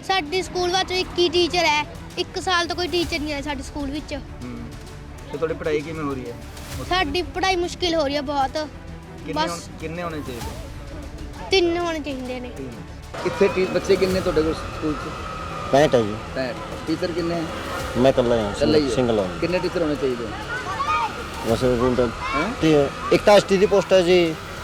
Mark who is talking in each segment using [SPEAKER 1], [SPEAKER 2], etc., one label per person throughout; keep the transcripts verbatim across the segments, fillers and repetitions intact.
[SPEAKER 1] ਸਾਡੇ ਸਕੂਲ ਵਿੱਚ ਇੱਕ ਹੀ ਟੀਚਰ ਹੈ। ਇੱਕ ਸਾਲ ਤੋਂ ਕੋਈ ਟੀਚਰ ਨਹੀਂ ਆਇਆ ਸਾਡੇ ਸਕੂਲ ਵਿੱਚ।
[SPEAKER 2] ਤੇ ਤੁਹਾਡੀ ਪੜ੍ਹਾਈ ਕਿਵੇਂ ਹੋ ਰਹੀ ਹੈ?
[SPEAKER 1] ਸਾਡੀ ਪੜ੍ਹਾਈ ਮੁਸ਼ਕਿਲ ਹੋ ਰਹੀ ਹੈ ਬਹੁਤ।
[SPEAKER 2] ਬਸ ਕਿੰਨੇ ਹੋਣੇ ਚਾਹੀਦੇ?
[SPEAKER 1] ਤਿੰਨ ਹੋਣੇ ਚਾਹੀਦੇ ਨੇ।
[SPEAKER 2] ਕਿੱਥੇ ਟੀ ਬੱਚੇ ਕਿੰਨੇ ਤੁਹਾਡੇ ਕੋਲ ਸਕੂਲ 'ਚ?
[SPEAKER 3] पैंठ है जी।
[SPEAKER 2] पैंठ टीचर कितने हैं?
[SPEAKER 3] मैं कल्ला ही
[SPEAKER 2] कल्ला
[SPEAKER 3] हूँ,
[SPEAKER 2] ही
[SPEAKER 3] सिंगल हूँ।
[SPEAKER 2] कितने टीचर होने चाहिए?
[SPEAKER 3] वैसे रूल
[SPEAKER 2] हैं?
[SPEAKER 3] एक तो एस टी डी पोस्ट है जी,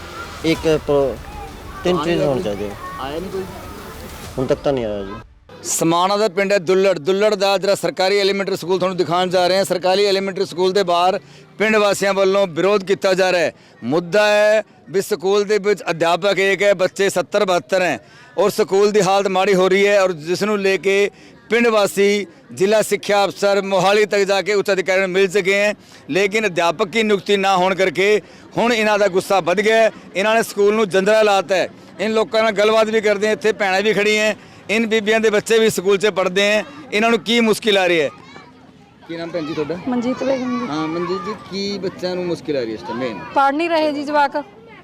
[SPEAKER 3] एक प्रो तीन
[SPEAKER 2] आने
[SPEAKER 3] चीज
[SPEAKER 2] लगी?
[SPEAKER 3] होनी चाहिए।
[SPEAKER 2] आया नहीं कोई?
[SPEAKER 3] ਹੁਣ ਤੱਕ ਤਾਂ ਨਹੀਂ ਆਇਆ ਜੀ।
[SPEAKER 2] ਸਮਾਣਾ ਦਾ ਪਿੰਡ ਹੈ ਦੁੱਲੜ। ਦੁੱਲੜ ਦਾ ਜਿਹੜਾ ਸਰਕਾਰੀ ਐਲੀਮੈਂਟਰੀ ਸਕੂਲ ਤੁਹਾਨੂੰ ਦਿਖਾਉਣ ਜਾ ਰਹੇ ਹਾਂ। ਸਰਕਾਰੀ ਐਲੀਮੈਂਟਰੀ ਸਕੂਲ ਦੇ ਬਾਹਰ ਪਿੰਡ ਵਾਸੀਆਂ ਵੱਲੋਂ ਵਿਰੋਧ ਕੀਤਾ ਜਾ ਰਿਹਾ ਹੈ। ਮੁੱਦਾ ਹੈ ਵੀ ਸਕੂਲ ਦੇ ਵਿੱਚ ਅਧਿਆਪਕ ਇੱਕ ਹੈ, ਬੱਚੇ ਸੱਤਰ ਬਹੱਤਰ ਹੈ और स्कूल की हालत माड़ी हो रही है और जिसनों लेके पिंड वासी जिला शिक्षा अफसर मोहाली तक जाके उच्च अधिकारियों मिल चुके हैं, लेकिन अध्यापक की नियुक्ति ना होने करके हुण इन्हां दा गुस्सा बढ़ गया है। इन्होंने स्कूल नूं जंदरा लाता है। इन लोगों नाल गलबात भी करते हैं, इत्थे भैणां भी खड़ी हैं, इन बीबियां दे बच्चे भी स्कूल च पढ़ते हैं। इन्हों की मुश्किल आ रही है? की नाम भैन जी तुहाडा?
[SPEAKER 4] मनजीत बेगम जी।
[SPEAKER 2] हाँ मनजीत जी, की बच्चों नूं मुश्किल आ रही है इस टाइम? मेन
[SPEAKER 4] पढ़ नहीं रहे जी जवाक,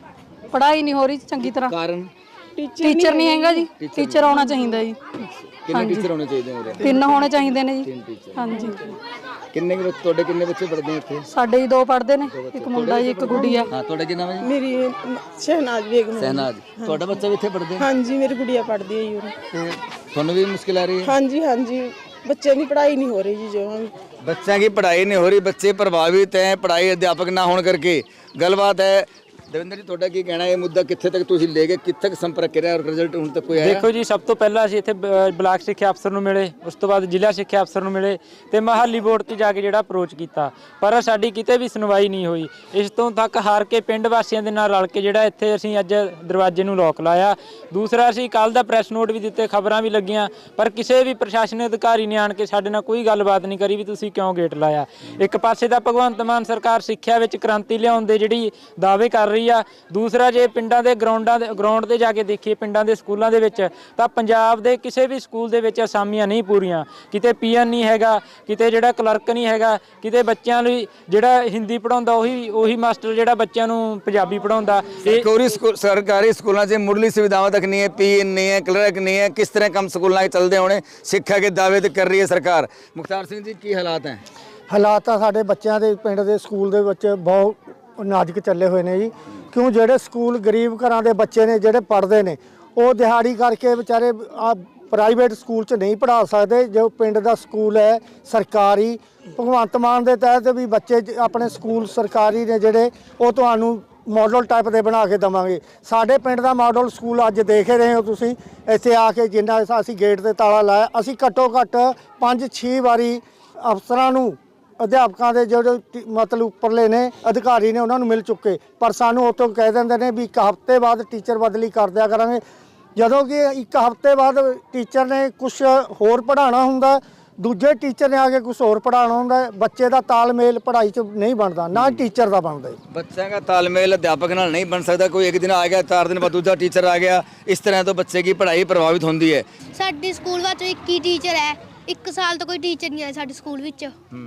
[SPEAKER 4] पढ़ाई नहीं हो रही चंगी तरह।
[SPEAKER 2] कारण
[SPEAKER 4] टीचर नहीं हैगा जी, टीचर आना चाहिए जी।
[SPEAKER 2] कितने टीचर होने चाहिए उरे?
[SPEAKER 4] तीन होने चाहिए ने जी।
[SPEAKER 2] तीन टीचर।
[SPEAKER 4] हाँ जी।
[SPEAKER 2] किन्ने के बच्चे ਤੁਹਾਡੇ ਕਿੰਨੇ ਬੱਚੇ ਪੜ੍ਹਦੇ ਇੱਥੇ?
[SPEAKER 4] ਸਾਡੇ ਹੀ ਦੋ ਪੜ੍ਹਦੇ ਨੇ, ਇੱਕ ਮੁੰਡਾ ਜੀ ਇੱਕ ਗੁੱਡੀਆ।
[SPEAKER 2] ਹਾਂ ਤੁਹਾਡਾ ਕੀ ਨਾਮ ਹੈ ਜੀ?
[SPEAKER 5] ਮੇਰੀ ਸ਼ਹਿਨਾਜ਼ ਬੇਗਮ।
[SPEAKER 2] ਸਹਿਨਾਜ਼। ਤੁਹਾਡਾ ਬੱਚਾ ਵੀ ਇੱਥੇ ਪੜ੍ਹਦੇ?
[SPEAKER 5] ਹਾਂਜੀ ਮੇਰੀ ਗੁੜੀਆ ਪੜ੍ਹਦੀ ਹੈ ਜੀ ਉਰੇ।
[SPEAKER 2] ਤੇ ਤੁਹਾਨੂੰ ਵੀ ਮੁਸ਼ਕਿਲ ਆ ਰਹੀ ਹੈ?
[SPEAKER 5] ਹਾਂਜੀ ਹਾਂਜੀ ਬੱਚਿਆਂ ਦੀ ਪੜ੍ਹਾਈ ਨਹੀਂ ਹੋ ਰਹੀ ਜੀ ਜਮਾਂ ਵੀ।
[SPEAKER 2] बच्चों की पढ़ाई नहीं हो रही, बच्चे प्रभावित हैं पढ़ाई अध्यापक ना होने करके। गलबात है दविंदर जी, ਤੁਹਾਡਾ ਕੀ ਕਹਿਣਾ? ਇਹ ਮੁੱਦਾ ਕਿੱਥੇ ਤੱਕ ਤੁਸੀਂ ਲੈ ਕੇ ਕਿੱਥੇ ਤੱਕ ਸੰਪਰਕ ਕਰਿਆ ਔਰ ਰਿਜ਼ਲਟ ਹੁਣ ਤੱਕ ਕੋਈ ਆਇਆ?
[SPEAKER 6] ਦੇਖੋ ਜੀ, ਸਭ ਤੋਂ ਪਹਿਲਾਂ ਅਸੀਂ ਇੱਥੇ ਬ- ਬਲਾਕ ਸਿੱਖਿਆ ਅਫਸਰ ਨੂੰ ਮਿਲੇ, ਉਸ ਤੋਂ ਬਾਅਦ ਜ਼ਿਲ੍ਹਾ ਸਿੱਖਿਆ ਅਫਸਰ ਨੂੰ ਮਿਲੇ ਤੇ ਮਹਾਲੀ ਬੋਰਡ ਤੇ ਜਾ ਕੇ ਜਿਹੜਾ ਅਪਰੋਚ ਕੀਤਾ, ਪਰ ਸਾਡੀ ਕਿਤੇ ਵੀ ਸੁਣਵਾਈ ਨਹੀਂ ਹੋਈ। ਇਸ ਤੋਂ ਤੱਕ ਹਾਰ ਕੇ ਪਿੰਡ ਵਾਸੀਆਂ ਦੇ ਨਾਲ ਰਲ ਕੇ ਜਿਹੜਾ ਇੱਥੇ ਅਸੀਂ ਅੱਜ ਦਰਵਾਜ਼ੇ ਨੂੰ ਲੋਕ ਲਾਇਆ। ਦੂਸਰਾ, ਅਸੀਂ ਕੱਲ ਦਾ ਪ੍ਰੈਸ ਨੋਟ ਵੀ ਦਿੱਤੇ, ਖਬਰਾਂ ਵੀ ਲੱਗੀਆਂ, ਪਰ ਕਿਸੇ ਵੀ ਪ੍ਰਸ਼ਾਸਨਿਕ ਅਧਿਕਾਰੀ ਨੇ ਆਣ ਕੇ ਸਾਡੇ ਨਾਲ ਕੋਈ ਗੱਲਬਾਤ ਨਹੀਂ ਕਰੀ ਵੀ ਤੁਸੀਂ ਕਿਉਂ ਗੇਟ ਲਾਇਆ। ਇੱਕ ਪਾਸੇ ਤਾਂ ਭਗਵੰਤ ਮਾਨ ਸਰਕਾਰ ਸਿੱਖਿਆ ਵਿੱਚ ਕ੍ਰਾਂਤੀ ਲਿਆਉਣ ਦੇ ਜਿਹੜੀ ਦਾਅਵੇ ਕਰ ਰਹੀ ਆ, ਦੂਸਰਾ ਜੇ ਪਿੰਡਾਂ ਦੇ ਗਰਾਊਂਡਾਂ ਦੇ ਗਰਾਊਂਡ ਤੇ ਜਾ ਕੇ ਦੇਖੀਏ ਪਿੰਡਾਂ ਦੇ ਸਕੂਲਾਂ ਦੇ ਵਿੱਚ ਤਾਂ ਪੰਜਾਬ ਦੇ ਕਿਸੇ ਵੀ ਸਕੂਲ ਦੇ ਵਿੱਚ ਅਸਾਮੀਆਂ ਨਹੀਂ ਪੂਰੀਆਂ। ਕਿਤੇ ਪੀਐਨ ਨਹੀਂ ਹੈਗਾ, ਕਿਤੇ ਜਿਹੜਾ ਕਲਰਕ ਨਹੀਂ ਹੈਗਾ, ਕਿਤੇ ਬੱਚਿਆਂ ਲਈ ਜਿਹੜਾ ਹਿੰਦੀ ਪੜਾਉਂਦਾ ਉਹੀ ਉਹੀ ਮਾਸਟਰ ਜਿਹੜਾ ਬੱਚਿਆਂ ਨੂੰ ਪੰਜਾਬੀ ਪੜਾਉਂਦਾ।
[SPEAKER 2] ਸਰਕਾਰੀ ਸਕੂਲ ਸਰਕਾਰੀ ਸਕੂਲਾਂ 'ਚ ਮੁੱਢਲੀ ਸੁਵਿਧਾਵਾਂ ਤੱਕ ਨਹੀਂ ਹੈ, ਪੀਐਨ ਨਹੀਂ ਹੈ, ਕਲਰਕ ਨਹੀਂ ਹੈ। ਕਿਸ ਤਰ੍ਹਾਂ ਕੰਮ ਸਕੂਲਾਂ 'ਚ ਚੱਲਦੇ ਹੋਣੇ? ਸਿੱਖਿਆ ਦੇ ਦਾਅਵੇ ਤੇ ਕਰ ਰਹੀ ਹੈ ਸਰਕਾਰ। ਮੁਖਤਾਰ ਸਿੰਘ ਜੀ, ਕੀ ਹਾਲਾਤ ਹੈ?
[SPEAKER 7] ਹਾਲਾਤ ਤਾਂ ਸਾਡੇ ਬੱਚਿਆਂ ਦੇ ਪਿੰਡ ਦੇ ਸਕੂਲ ਦੇ ਵਿੱਚ ਬਹੁਤ ਨਾਜ਼ੁਕ ਚੱਲੇ ਹੋਏ ਨੇ ਜੀ। ਕਿਉਂ ਜਿਹੜੇ ਸਕੂਲ ਗਰੀਬ ਘਰਾਂ ਦੇ ਬੱਚੇ ਨੇ ਜਿਹੜੇ ਪੜ੍ਹਦੇ ਨੇ ਉਹ ਦਿਹਾੜੀ ਕਰਕੇ ਵਿਚਾਰੇ ਆ ਪ੍ਰਾਈਵੇਟ ਸਕੂਲ 'ਚ ਨਹੀਂ ਪੜ੍ਹਾ ਸਕਦੇ। ਜੋ ਪਿੰਡ ਦਾ ਸਕੂਲ ਹੈ ਸਰਕਾਰੀ, ਭਗਵੰਤ ਮਾਨ ਦੇ ਤਹਿਤ ਵੀ ਬੱਚੇ ਆਪਣੇ ਸਕੂਲ ਸਰਕਾਰੀ ਨੇ ਜਿਹੜੇ ਉਹ ਤੁਹਾਨੂੰ ਮਾਡਲ ਟਾਈਪ ਦੇ ਬਣਾ ਕੇ ਦੇਵਾਂਗੇ। ਸਾਡੇ ਪਿੰਡ ਦਾ ਮਾਡਲ ਸਕੂਲ ਅੱਜ ਦੇਖ ਰਹੇ ਹੋ ਤੁਸੀਂ, ਇੱਥੇ ਆ ਕੇ ਜਿੰਨਾ ਅਸੀਂ ਗੇਟ ਤੇ ਤਾਲਾ ਲਾਇਆ, ਅਸੀਂ ਘੱਟੋ ਘੱਟ ਪੰਜ ਛੇ ਵਾਰੀ ਅਫਸਰਾਂ ਨੂੰ ਅਧਿਆਪਕਾਂ ਦੇ ਜਿਹੜੇ ਮਤਲਬ ਉੱਪਰਲੇ ਨੇ ਅਧਿਕਾਰੀ ਨੇ ਉਹਨਾਂ ਨੂੰ ਮਿਲ ਚੁੱਕੇ, ਪਰ ਸਾਨੂੰ ਉੱਥੋਂ ਕਹਿ ਦਿੰਦੇ ਨੇ ਵੀ ਇੱਕ ਹਫ਼ਤੇ ਬਾਅਦ ਟੀਚਰ ਬਦਲੀ ਕਰ ਦਿਆ ਕਰਾਂਗੇ। ਜਦੋਂ ਕਿ ਇੱਕ ਹਫ਼ਤੇ ਬਾਅਦ ਟੀਚਰ ਨੇ ਕੁਛ ਹੋਰ ਪੜ੍ਹਾਉਣਾ ਹੁੰਦਾ, ਦੂਜੇ ਟੀਚਰ ਨੇ ਆ ਕੇ ਕੁਛ ਹੋਰ ਪੜ੍ਹਾਉਣਾ ਹੁੰਦਾ। ਬੱਚੇ ਦਾ ਤਾਲਮੇਲ ਪੜ੍ਹਾਈ 'ਚ ਨਹੀਂ ਬਣਦਾ, ਨਾ ਟੀਚਰ ਦਾ ਬਣਦਾ।
[SPEAKER 2] ਬੱਚਿਆਂ ਦਾ ਤਾਲਮੇਲ ਅਧਿਆਪਕ ਨਾਲ ਨਹੀਂ ਬਣ ਸਕਦਾ। ਕੋਈ ਇੱਕ ਦਿਨ ਆ ਗਿਆ, ਚਾਰ ਦਿਨ ਬਾਅਦ ਦੂਜਾ ਟੀਚਰ ਆ ਗਿਆ, ਇਸ ਤਰ੍ਹਾਂ ਤੋਂ ਬੱਚੇ ਦੀ ਪੜ੍ਹਾਈ ਪ੍ਰਭਾਵਿਤ ਹੁੰਦੀ ਹੈ।
[SPEAKER 1] ਸਾਡੇ ਸਕੂਲ ਵਿੱਚ ਇੱਕ ਹੀ ਟੀਚਰ ਹੈ। ਇੱਕ ਸਾਲ ਤੋਂ ਕੋਈ ਟੀਚਰ ਨਹੀਂ ਆਇਆ ਸਾਡੇ ਸਕੂਲ ਵਿੱਚ।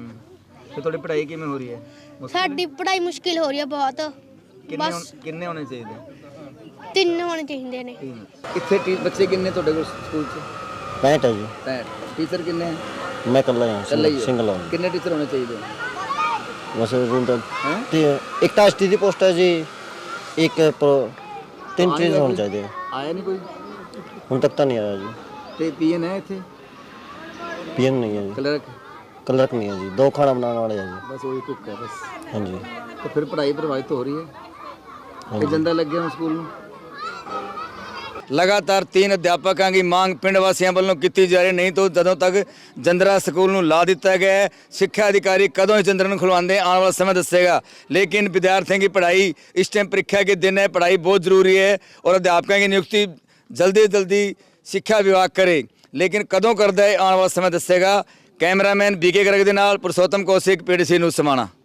[SPEAKER 2] ਤੇ ਤੁਹਾਡੀ ਪੜ੍ਹਾਈ ਕਿਵੇਂ ਹੋ ਰਹੀ ਹੈ?
[SPEAKER 1] ਸਾਡੀ ਪੜ੍ਹਾਈ ਮੁਸ਼ਕਿਲ ਹੋ ਰਹੀ ਹੈ ਬਹੁਤ।
[SPEAKER 2] ਬਸ ਕਿੰਨੇ ਹੋਣੇ ਚਾਹੀਦੇ?
[SPEAKER 1] ਤਿੰਨ ਹੋਣੇ ਚਾਹੀਦੇ ਨੇ।
[SPEAKER 2] ਕਿੱਥੇ ਟੀ ਬੱਚੇ ਕਿੰਨੇ ਤੁਹਾਡੇ ਕੋਲ ਸਕੂਲ 'ਚ?
[SPEAKER 3] पैंठ है जी।
[SPEAKER 2] पैंठ टीचर कितने हैं?
[SPEAKER 3] मैं कल्ला ही
[SPEAKER 2] कल्ला
[SPEAKER 3] हूँ,
[SPEAKER 2] ही
[SPEAKER 3] सिंगल
[SPEAKER 2] हो?
[SPEAKER 3] हूँ।
[SPEAKER 2] कितने टीचर होने चाहिए?
[SPEAKER 3] वैसे रूल
[SPEAKER 2] हैं?
[SPEAKER 3] एक तो एस टी डी पोस्ट है जी, एक प्रो तीन
[SPEAKER 2] आने
[SPEAKER 3] चीज
[SPEAKER 2] लगी?
[SPEAKER 3] होनी चाहिए।
[SPEAKER 2] आया नहीं कोई?
[SPEAKER 3] ਹੁਣ ਤੱਕ ਤਾਂ ਨਹੀਂ ਆਇਆ ਜੀ।
[SPEAKER 2] ਤੇ ਪੀਐਨ ਹੈ ਇੱਥੇ?
[SPEAKER 3] ਪੀਐਨ ਨਹੀਂ ਹੈ ਜੀ,
[SPEAKER 2] ਕਲਰਕ?
[SPEAKER 3] ਕਲਰਕ ਨਹੀਂ ਹੈ ਜੀ, ਦੋ ਖਾਣਾ ਬਣਾਉਣ ਵਾਲੇ ਆ ਜੀ।
[SPEAKER 2] ਬਸ ਉਹੀ ਕੁੱਕ ਹੈ ਬਸ।
[SPEAKER 3] ਹਾਂਜੀ।
[SPEAKER 2] तो फिर पढ़ाई प्रभावित हो रही है कि जंदा लग गया स्कूल में? लगातार तीन अध्यापकों की मांग पिंड वासियों वालों की जा रही, नहीं तो जदों तक जंदरा स्कूल में ला दिता गया है। शिक्षा अधिकारी कदों इस जंदरा खुलवाते आने वाला समय दसेगा, लेकिन विद्यार्थियों की पढ़ाई इस टाइम परीक्षा के दिन है, पढ़ाई बहुत जरूरी है और अध्यापकों की नियुक्ति जल्दी जल्दी शिक्षा विभाग करे, लेकिन कदों करता है आने वाला समय दसेगा। कैमरामैन बीके गर्ग के नाल पुरुषोत्तम कौशिक, पीडीसी न्यूज़ समाणा।